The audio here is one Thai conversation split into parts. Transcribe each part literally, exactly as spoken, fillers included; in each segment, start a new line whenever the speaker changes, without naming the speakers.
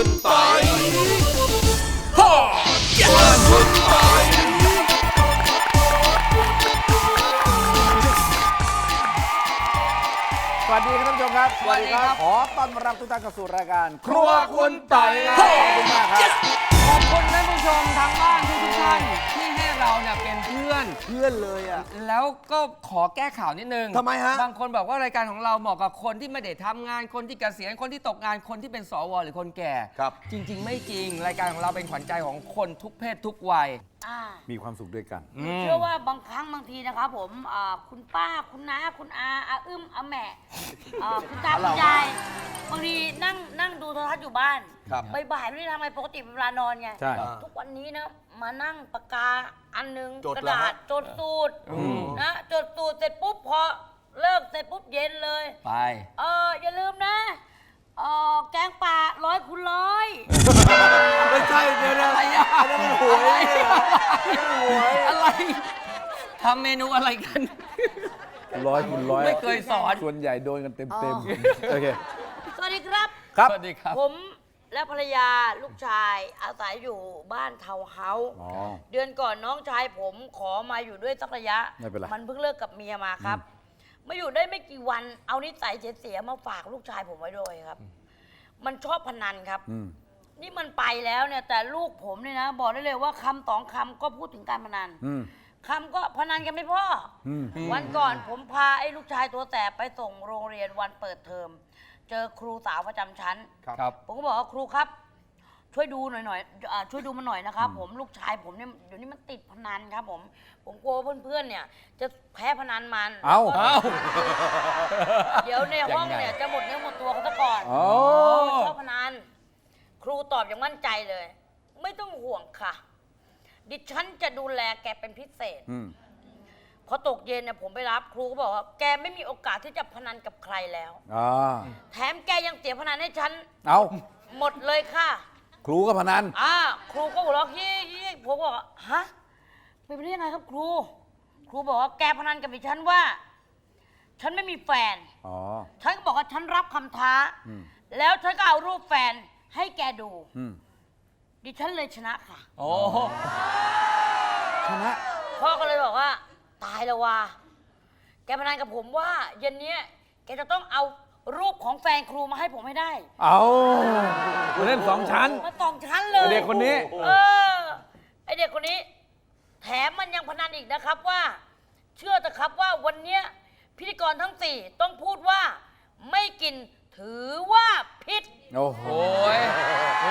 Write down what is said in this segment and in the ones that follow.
คุณปอยฮ่าครัวคุณปอย
สวัสดีครับท่านผู้ชมครับ
สวัสดีครับ
ขอต้อนรับทุกท่านเข้าสู่รายการ
ครัวคุณปอย
ขอบคุณมากครับ
ขอบคุณท่านผู้ชมทางบ้านทุกๆท่านที่ให้เราเนี่ยเป็นเพื่อน
เพื่อนเลยอ่ะ
แล้วก็ขอแก้ข่าวนิดนึง
ทำไมฮะ
บางคนบอกว่ารายการของเราเหมาะกับคนที่ไม่ได้ทำงานคนที่เกษียณคนที่ตกงานคนที่เป็นสวหรือคนแก่
ครับ
จริง ๆ ไม่จริงรายการของเราเป็นขวัญใจของคนทุกเพศทุกวัย
อ่า
มีความสุขด้วยกัน
อืม
เชื่อว่าบางครั้งบางทีนะครับผมอ่าคุณป้าคุณน้าคุณอาอาอึ้มอาแหม่อ่าคุณตาคุณยายบางทีนั่งนั่งดูโทรทัศน์อยู่บ้าน
ครับ
บ่ายๆไม่ได้ทำอะไรปกติเป็นเวลานอนไง
ใช่
ทุกวันนี้นะมานั่งปากกาอันหนึง
จด
กระ
เหรอ
ดา
ฮะ
ษจดสูตร
อืม
นะจดสูตรเสร็จปุ๊บพอเลิกเสร็จปุ๊บเย็นเลย
ไป
เอออย่าลืมนะเออแกงป่าร้อยคูณร้อย
ไม่ใช่เดี๋ยวนะ
อะไรอะ
นั่นมันหวย
อะไรทำเมนูอะไรกัน
ร้อยคูณร้อย
ไม่เคยสอน
ส่วนใหญ่โดนกันเต็ม
อ๋
เต็ม
อ
โอเค
สวัสดีครับ
ครับ
สวัสดีครับ
ผมและภรรยาลูกชายอาศัยอยู่บ้านเทาวน์เฮาส์
อ๋อ
เดือนก่อนน้องชายผมขอมาอยู่ด้วยสักระยะ
ไม่เป็นไร
มันเพิ่งเลิกกับเมียมาครับ มาอยู่ได้ไม่กี่วันเอานิสัยเสียๆมาฝากลูกชายผมไว้ด้วยครับ มันชอบพนันครับ
อืม
นี่มันไปแล้วเนี่ยแต่ลูกผมเนี่ยนะ บอกได้เลยว่าคำสองคำก็พูดถึงการพนัน
อืม
คำก็พนันกันไม่พ่ออ
อืม
วันก่อนผมพาไอ้ลูกชายตัวแสบไปส่งโรงเรียนวันเปิดเทอม เจอครูสาวประจำชั้น
ครับ
ผมก็บอกว่าครูครับ ช่วยดูหน่อยหน่อยอ่าช่วยดูมันหน่อยนะครับ ผมลูกชายผมเนี่ยเดี๋ยวนี้มันติดพนันครับ ผมผมกลัวเพื่อนๆเนี่ย จะแพ้พนันมัน
เอ้า
แล้วก็
เอ้า
เดี๋ยวในห้อง
ยังไง
เนี่ยจะหมดเนื้อหมดตัวเขาซะก่อน
โอ้
ชอบพนันครูตอบอย่างมั่นใจเลย ไม่ต้องห่วงค่ะ ดิฉันจะดูแลแกเป็นพิเศษ
อืม
พอตกเย็นเนี่ยผมไปรับครูก็บอกว่าแกไม่มีโอกาสที่จะพนันกับใครแล้ว
อ่า
แถมแกยังเสียพนันให้ฉัน
เอา
หมดเลยค่ะ
ครูก็พนัน
อ่าครูก็หัวเราะยี่ยี่ผมก็บอกว่าฮะเป็นไปได้ยังไงครับครู ครูบอกว่าแกพนันกับดิฉันว่า ฉันไม่มีแฟน
อ๋อ
ฉันก็บอกว่าฉันรับคำท้า
อืม
แล้วฉันก็เอารูปแฟนให้แกดู
อืม
ดิฉันเลยชนะค่ะ
โอ้
ชนะ
พ่อก็เลยบอกว่า ตายแล้วว่ะแกพนันกับผมว่า เย็นเนี้ยแกจะต้องเอารูปของแฟนครูมาให้ผมให้ได้
เอาเล่นสองชั้น
มาสองชั้นเลย
เด็กคนนี้
เออไอเด็กคนนี้ แถมมันยังพนันอีกนะครับว่า เชื่อเถอะครับว่าวันเนี้ยพิธีกรทั้งสี่ต้องพูดว่า ไม่กินถือว่าผิด
โอ้โห
โอ้ยโอ้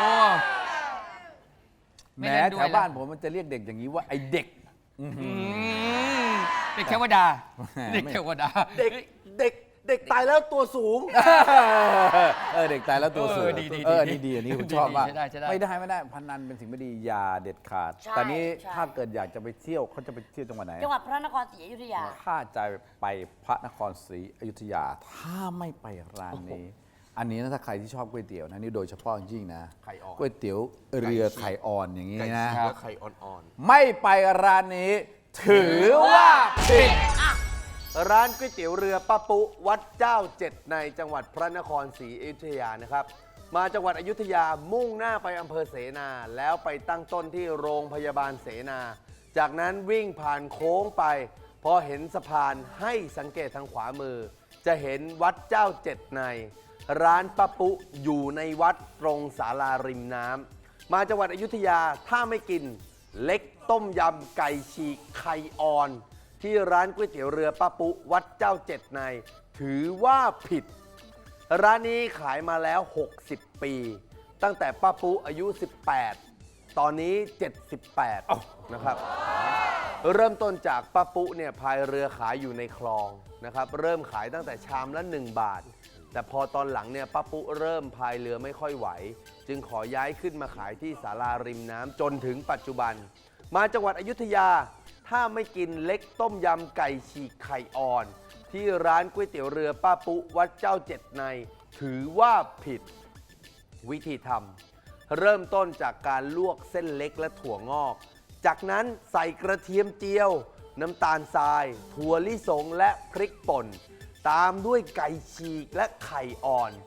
ไม่
แหม
เล่นด้วย
แถวบ้านผมมันจะเรียกเด็กอย่างนี้ว่าไอเด็ก
อืมเด็กเทวดา เด็กเทวดา
เด็กเด็กเด็กตายแล้วตัวสูง
เออเด็กตายแล้วตัวสูง
เออดีดี
เออ
ดี
นี่ดีอันนี้ผม
ดี
ชอบมาก
ใช่ได้ใช่ได้
ไม่ได้ไม่ได้พนันเป็นสิ่งไม่ดีอย่าเด็ดขาด
ใช่
ตอนนี้
ใช่
ถ้าเกิดอยากจะไปเที่ยวเขาจะไปเที่ยวจังหวัดไหน
จังหวัดพระนครศรีอยุธยา
ถ้าจะไปพระนครศรีอยุธยา ถ้าไม่ไปร้านนี้ อันนี้นะถ้าใครที่ชอบก๋วยเตี๋ยวนะนี่โดยเฉพาะจริงๆนะ
ไข่อ่อน
ก๋วยเตี๋ยวเรือไข่อ่อนอย่างนี้
ไก่
นะ
ฉีกและไข่อ่อน
ไม่ไปร้านนี้ ถือว่าผิด
ๆ ร้านก๋วยเตี๋ยวเรือป้าปุวัดเจ้าเจ็ดในจังหวัดพระนครศรีอยุธยานะครับ มาจังหวัดอยุธยามุ่งหน้าไปอำเภอเสนา แล้วไปตั้งต้นที่โรงพยาบาลเสนา จากนั้นวิ่งผ่านโค้งไป พอเห็นสะพานให้สังเกตทางขวามือ จะเห็นวัดเจ้าเจ็ดใน ร้านป้าปุอยู่ในวัดตรงศาลาริมน้ำมาจังหวัดอยุธยาถ้าไม่กินเล็กต้มยำไก่ฉีกไข่อ่อน ที่ร้านก๋วยเตี๋ยวเรือป้าปุวัดเจ้าเจ็ดใน ถือว่าผิด ร้านนี้ขายมาแล้ว หกสิบ ปี ตั้งแต่ป้าปุอายุ สิบแปด ตอนนี้ เจ็ดสิบแปด นะครับ เริ่มต้นจากป้าปุเนี่ยพายเรือขายอยู่ในคลองนะครับ เริ่มขายตั้งแต่ชามละหนึ่งบาท แต่พอตอนหลังเนี่ยป้าปุเริ่มพายเรือไม่ค่อยไหว จึงขอย้ายขึ้นมาขายที่ศาลาริมน้ำจนถึงปัจจุบัน มาจังหวัดอยุธยา ถ้าไม่กินเล็กต้มยำไก่ฉีกไข่อ่อน ที่ร้านก๋วยเตี๋ยวเรือป้าปุวัดเจ้าเจ็ดใน ถือว่าผิด วิธีทำเริ่มต้นจากการลวกเส้นเล็กและถั่วงอก จากนั้นใส่กระเทียมเจียว น้ำตาลทราย ถั่วลิสงและพริกป่น ตามด้วยไก่ฉีกและไข่อ่อน ป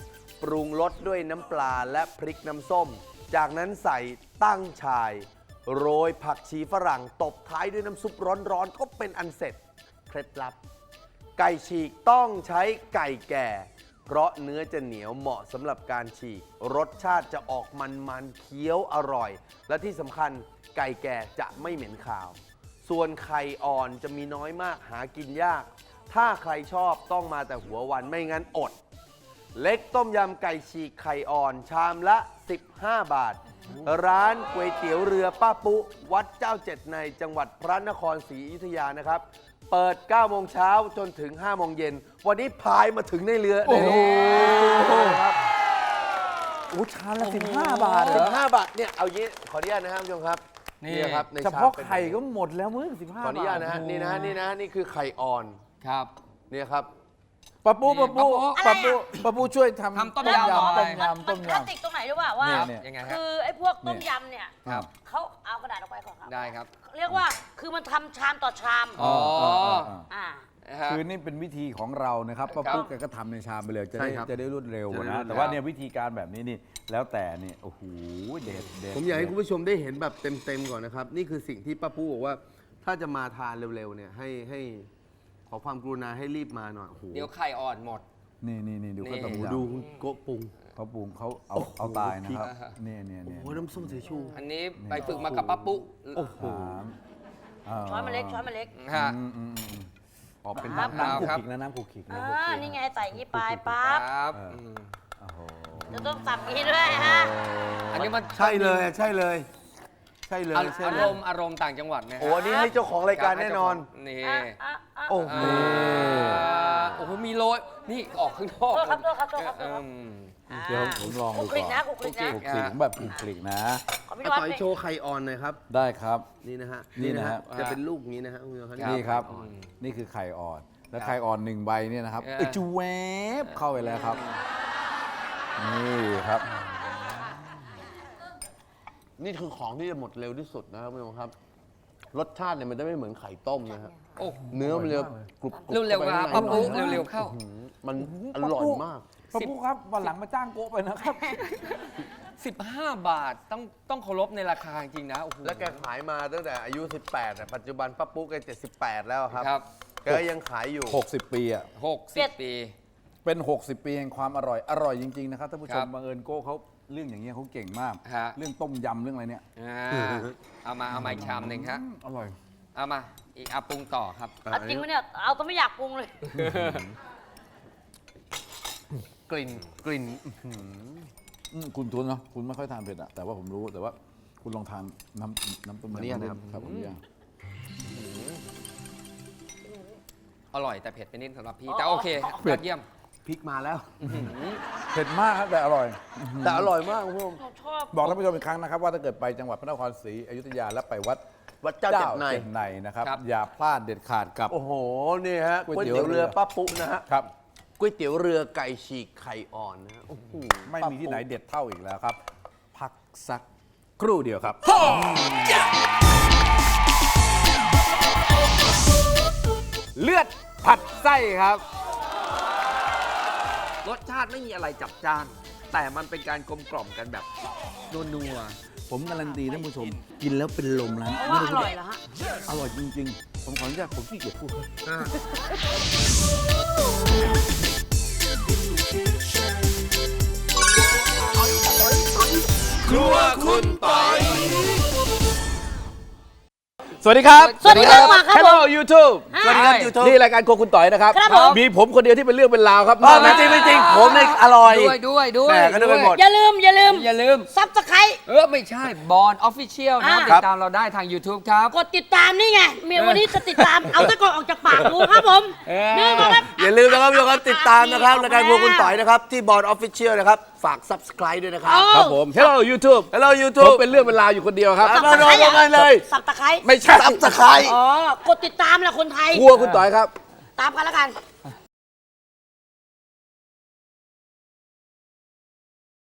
ปรุงรสด้วยน้ำปลาและพริกน้ำส้ม จากนั้นใส่ตั้งฉ่าย โรยผักชีฝรั่งตบท้ายด้วยน้ำซุปร้อนๆก็เป็นอันเสร็จเคล็ดลับ ไก่ฉีกต้องใช้ไก่แก่ เพราะเนื้อจะเหนียวเหมาะสำหรับการฉีก รสชาติจะออกมันๆเคี้ยวอร่อย และที่สำคัญไก่แก่จะไม่เหม็นคาว ส่วนไข่อ่อนจะมีน้อยมากหากินยาก ถ้าใครชอบต้องมาแต่หัววันไม่งั้นอด เล็กต้มยำไก่ฉีกไข่อ่อนชามละ สิบห้า บาท ร้านก๋วยเตี๋ยวเรือป้าปุ๊วัดเจ้าเจ็ดในจังหวัดพระนครศรีอยุธยานะครับ เปิด เก้า โมงเช้าจนถึง ห้า โมงเย็น วันนี้พายมาถึงในเรือ
โอ้โห
ครับ
โอ้ชามละสิบห้าบาทเหร
สิ
อบ
ห้าบาทเนี่ยเอางี้ขออนุญาตนะครับผู้ชมครับ
นี่
ครับใน
เฉ
ชาม
พาะ
ป็น
ไข่ก็หมดแล้วมึงสิบห้า
ขออนุญาตนะฮะ
บาท
นี่นะฮะนี่นะนี่คือไข่อ่อน
ครับ
เนี่ยครับ
ปะปูปะปู
อะไร
ปะ
อะ
ปูปะปูช่วยทำ
ทำต้มยำ
ต้ม
อะไร
ยำต้ม
มัน
ยำ
คลาสสิกตรงไหนรู้ป่าว่า
เนี่ย
ยังไงฮะ
คือไอ้พวกต้มยำเนี่ย
ครับ
เขาเอากระดาษออกไปก่อนครับ
ได้ครับ
เรียกว่าคือมันทำชามต่อชาม
อ๋อ
อ่า
นะฮะ
คือนี่เป็นวิธีของเรานะครับป้า
ครับ
ปุ๊กแกก็ทำในชามไปเลยจะได้
ใช่ครับ
จะได้รวดเร็ว
จะได้รวด
นะ
เร็ว
แต่ว่าเนี่ยวิธีการแบบนี้นี่แล้วแต่นี่โอ้โหเด็ดเด็ด
ผมอยากให้คุณผู้ชมได้เห็นแบบเต็มๆก่อนนะครับ นี่คือสิ่งที่ป้าปูบอกว่า ถ้าจะมาทานเร็วๆเนี่ยให้ให้ขอความกรุณาให้รีบมาหน่อยโอ้โห
เดี๋ยวไข่อ่อนหมด
นี่นี่นี่ดู
นี่
เขาต้ม
โอ้โห
ยำ
ดูคุณโกะปรุง
เขาปรุงเขาเอาเอาตายนะครับ
พริก
เนี่ยเนี่ย
โอ้
เนี่ย
โหน้ำส้มสายชู
อันนี้ไปฝึกมากับป้าปุ๊
โอ้โห
สาม
ช้อนมาเล็กช้อนมาเล็ก
ฮะ
อืมอืมอืมอืม
ออกเป็น
ครับ
น้ำขูก
ครับ
ขิกนะน้ำขูกขิกนะ
อ่านี่ไงใส่อย่างนี้ไป
ค
ปั๊บ
รับ
เอออื
ม
โอ้โห
จะต้องสับอย่างนี้ด้วยฮะ
อันนี้มัน
ใช่เลยใช่เลย ใช่เลย
อา
ใช่
อา
เล
ร
ย
มณ์อารมณ์ต่างจังหวัดนะฮะ
โอ้อันนี้ให้เจ้าของรายการแน่นอน
นี่
อ่ะอ่ะอ่ะ
โอ้โห
อ่าโอ้โหมีโรยนี่ออกข้างนอก
โทษครับโทษครับโทษครับโทษครับ
อืม
อ่า
เดี๋ยวผมลอง
คลุ
ดู
กคลิก
ก่
นะ
อน
คลุกคลิกนะ
ขูกขิกแบบขูกขิกนะ
ขอพี่
อา
วัด
ต่อย
นี่
โชว์ไข่อ่อนหน่อยครับ
ได้ครับ
นี่นะฮะ
นี่นะฮะ
จะเป็นลูกอย่างนี้นะฮะคุณผู้ชมครับ
นี่ครับ
ไข่อ่อน
นี่คือไข่อ่อน แล้ว
ครับ
ไข่อ่อนหนึ่งใบเนี่ยนะครับ
เออ
เอยจูแวบเข้าไปแล้วครับ นี่ครับ
นี่คือของที่จะหมดเร็วที่สุดนะครับคุณผู้ชมครับ รสชาติเนี่ยมันจะไม่เหมือนไข่ต้มนะฮะ
โอ้โห
เนื้อมันจะกรุบกรุบ
เร็วๆ
ข้า
ครับ
ไป
ป้า
ข้างใน
ปุ๊
หน่อย
เร็วๆเข้า
มันอร่อยมาก
ป้าปุ๊ครับวันหลังมาจ้างโกะไปนะครับ
สิบห้า บาทต้องต้องเคารพในราคาจริงๆนะโอ้โห
แล้วแกขายมาตั้งแต่อายุ สิบแปดอะปัจจุบันป้าปุ๊กแกเจ็ดสิบแปดแล้วครับ
ครับ
แกก็ยังขายอยู่
60 ปีอ่ะ
หกสิบปี
เป็น 60 ปีแห่งความอร่อย อร่อยจริง ๆ นะครับท่านผู้ช
ครั
ม
บ
บังเอิญโก้เขาเรื่องอย่างเงี้ยเขาเก่งมาก
ฮะ
เรื่องต้มยำเรื่องอะไรเนี่ย
อ่าเอามาเอามาอีกชามหนึ่งครับ
อืมอร่อย
เอามาอีกอาปรุงต่อครับ
เอาจริงไหมเนี่ย เอาแต่ไม่อยากปรุงเลย
กลิ่นกลิ่น
อืมคุณทุนเนาะคุณไม่ค่อยทานเผ็ดอะแต่ว่าผมรู้แต่ว่าคุณลองทานน้ำน้ำต้ม
อัน
ยำ
นี้นะครับ
ครับผมอยาก
อร่อยแต่เผ็ดไปนิดสำหรับพี่
อ๋อ
แต่โอเคยอดเยี่ยม
พริกมาแล้ว
เผ็ดมากครับแต่อร่อย
แต่อร่อยมากคุณผู้ชม
หนูชอบ
บอกท่านผู้ชมอีกครั้งนะครับว่าถ้าเกิดไปจังหวัดพระนครศรีอยุธยาและไปวัด
วัดเจ้าเจ็ดใน
เจ็ดในนะครับ
ครับ
อย่าพลาดเด็ดขาดกับ
โอ้โห นี่ฮะ
ก๋
ก๋
ว
วย ย
เตี๋
เตี๋
ย
ยว ว
เรื
เรือ อป้าปุ๊นะฮะ
ครับ
ก๋วยเตี๋ยวเรือไก่ฉีกไข่อ่อนนะฮะโอ้โห
ไม่มีที่ไหนเด็ดเท่าอีกแล้วครับ พักสักครู่เดียวครับ เลือดผัดไส้ครับ
รสชาติไม่มีอะไรจับจ้าน แต่มันเป็นการกลมกล่อมกันแบบนัว
ผมการันตีท่านผู้ชม กินแล้วเป็นลมร้าน
เพราะว่าอร่อยเหรอฮะ
อร่อยจริง ๆ ผมขออนุญาตผมขี้เกียจพูด
ครัวคุณปอย
สวัสดีครับ
สวัสดีครับมาครับผม
Hello YouTube
สวัสดีครับ YouTube
นี่รายการโครัวคุณต่อยนะครับ
ครับผม
มีผมคนเดียวที่เป็นเรื่องเป็นราวครับ
ไม่จริงไม่จริงผมเนี่ยอร่อย
ๆด้วยด้วยด้วย
แหม่ก็นึกไปหมด
อย่าลืม อย่าลืม
อย่าลืม
ซับสไคร
เออ ไม่ใช่บอลออฟฟิเชียลนะครับ
อ่า
ติดตามเราได้ทาง YouTube ครับ
กดติดตามนี่ไงเมียวันนี้จะติดตาม เอาตะกอนออกจากปากดูครับผม
เออ
นี่มาครับ
อย่าลืมนะครับทุกคนติดตามนะครับรายการพวกคุณต่อยนะครับ ที่บอร์ดออฟฟิเชียลนะครับ ฝาก subscribe ด้วยนะครับ
ครับผม Hello YouTube
Hello
ผม
YouTube
เป็นเรื่องเป็นราวอยู่คนเดียวครับ
เอามาลงกันเลย
สับตะไคร้
ไม่ใช่
subscribe
อ๋อ กดติดตามแหละคนไทย
ครัวคุณต่อยครับ
ตามกันแล้วกัน